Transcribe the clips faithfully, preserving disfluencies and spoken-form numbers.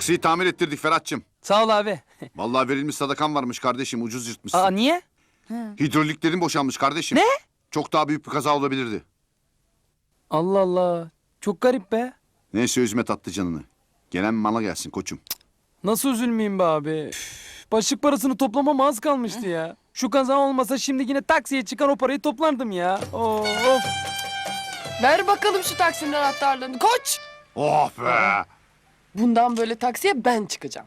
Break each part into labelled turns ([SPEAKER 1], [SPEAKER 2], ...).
[SPEAKER 1] Taksiyi tamir ettirdik Ferhat'cığım.
[SPEAKER 2] Sağ ol abi.
[SPEAKER 1] Vallahi verilmiş sadakan varmış kardeşim, ucuz yırtmışsın.
[SPEAKER 2] Aa niye?
[SPEAKER 1] Hidroliklerin boşanmış kardeşim.
[SPEAKER 2] Ne?
[SPEAKER 1] Çok daha büyük bir kaza olabilirdi.
[SPEAKER 2] Allah Allah. Çok garip be.
[SPEAKER 1] Neyse üzme tatlı canını. Gelen mala gelsin koçum.
[SPEAKER 2] Nasıl üzülmeyeyim be abi? Üf, başlık parasını toplamam az kalmıştı ya. Şu kaza olmasa şimdi yine taksiye çıkan o parayı toplardım ya. Of.
[SPEAKER 3] Ver bakalım şu taksinin anahtarlarını koç.
[SPEAKER 1] Oh be!
[SPEAKER 3] Bundan böyle taksiye ben çıkacağım.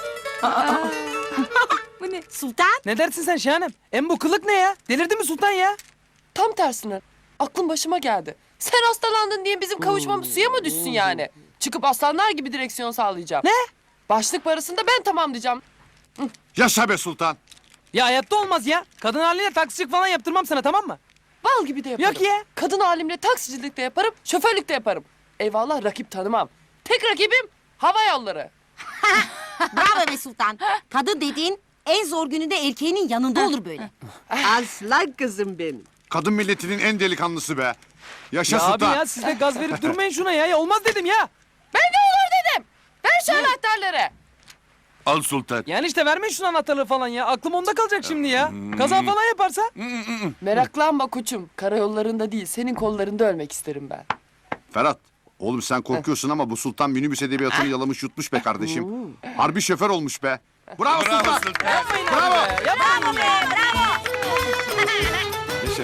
[SPEAKER 4] Bu ne? Sultan?
[SPEAKER 2] Ne dersin sen Şahanem? Hem bu kılık ne ya? Delirdin mi Sultan ya?
[SPEAKER 3] Tam tersine. Aklım başıma geldi. Sen hastalandın diye bizim kavuşmamız suya mı düşsün yani? Çıkıp aslanlar gibi direksiyon sağlayacağım.
[SPEAKER 2] Ne?
[SPEAKER 3] Başlık parasını da ben tamamlayacağım.
[SPEAKER 1] Yaşa be sultan!
[SPEAKER 2] Ya hayatta olmaz ya. Kadın haline taksicilik falan yaptırmam sana, tamam mı?
[SPEAKER 3] Bal gibi de yaparım.
[SPEAKER 2] Yok ya.
[SPEAKER 3] Kadın halimle taksicilik de yaparım, şoförlük de yaparım. Eyvallah rakip tanımam. Tek rakibim hava yolları.
[SPEAKER 4] Bravo be Sultan. Kadın dediğin en zor gününde erkeğinin yanında olur böyle.
[SPEAKER 5] Aslan kızım benim.
[SPEAKER 1] Kadın milletinin en delikanlısı be! Yaşa
[SPEAKER 2] Ya abi
[SPEAKER 1] sultan!
[SPEAKER 2] ya siz de gaz verip durmayın şuna ya. Ya olmaz dedim ya.
[SPEAKER 3] Ben de olur dedim. Ver şu anahtarları.
[SPEAKER 1] Al sultan.
[SPEAKER 2] Yani işte vermeyin şunu anahtarları falan ya. Aklım onda kalacak şimdi ya. Kaza falan yaparsa.
[SPEAKER 3] Meraklanma koçum. Karayollarında değil, senin kollarında ölmek isterim ben.
[SPEAKER 1] Ferhat, oğlum sen korkuyorsun ama bu sultan minibüs edebiyatını yalamış yutmuş be kardeşim. Harbi şoför olmuş be. Bravo, sultan!
[SPEAKER 2] Yapmayın
[SPEAKER 1] Bravo!
[SPEAKER 2] abi be. Yapmayın ya.
[SPEAKER 1] Yaşa.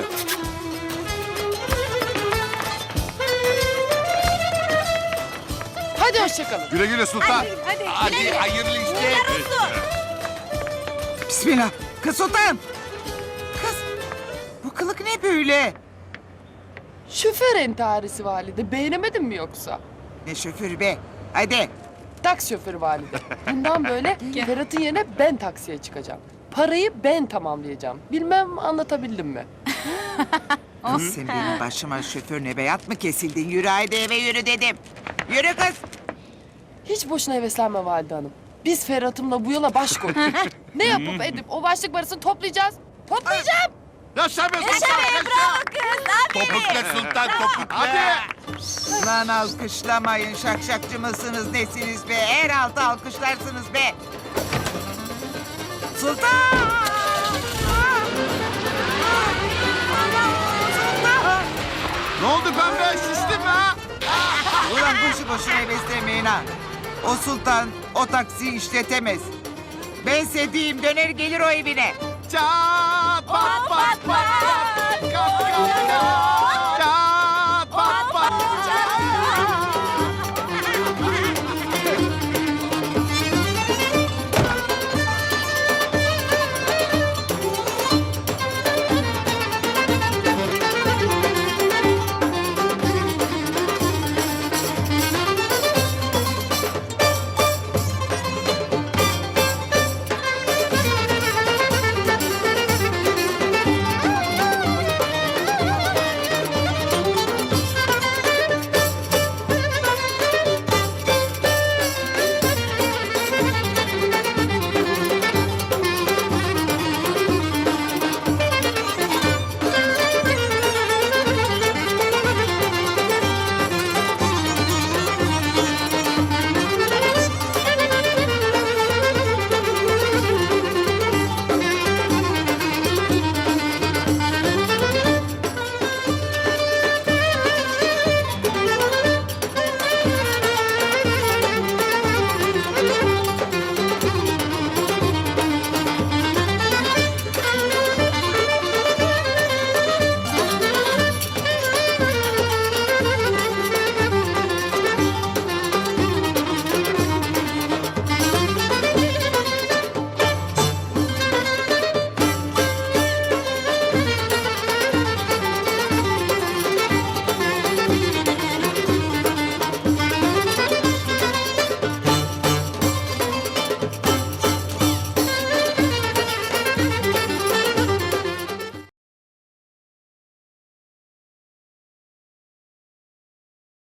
[SPEAKER 3] Hadi hoşçakalın.
[SPEAKER 1] Güle güle sultan.
[SPEAKER 4] Hadi hayırlı işler.
[SPEAKER 5] Bismillah. Kız Sultan. Kız. Bu kılık ne böyle?
[SPEAKER 3] Şoför entarisi valide. Beğenemedin mi yoksa?
[SPEAKER 5] Ne şoförü be. Hadi.
[SPEAKER 3] Taksi şoförü valide. Bundan böyle Ferhat'ın yerine ben taksiye çıkacağım. Parayı ben tamamlayacağım. Bilmem anlatabildim mi?
[SPEAKER 5] Kız sen benim başıma şoförüne beyat mı kesildin? Yürü haydi eve yürü dedim. Yürü kız.
[SPEAKER 3] Hiç boşuna heveslenme valide hanım. Biz Ferhat'ımla bu yola baş koyduk. Ne yapıp edip o başlık parasını toplayacağız. Toplayacağım.
[SPEAKER 1] Yaşa be sultan!
[SPEAKER 6] Topukla sultan topukla.
[SPEAKER 1] Hadi!
[SPEAKER 5] Lan alkışlamayın. Şakşakçı mısınız nesiniz be? Her altı alkışlarsınız be. Sultan! Sultan!
[SPEAKER 1] Ne oldu pembe? Şiştin mi ha?
[SPEAKER 5] Ulan boşu boşuna heveslemeyin ha. O sultan o taksiyi işletemez. Ben sediyim döner gelir o evine.
[SPEAKER 1] Çat pat pat pat! Kap kap kap!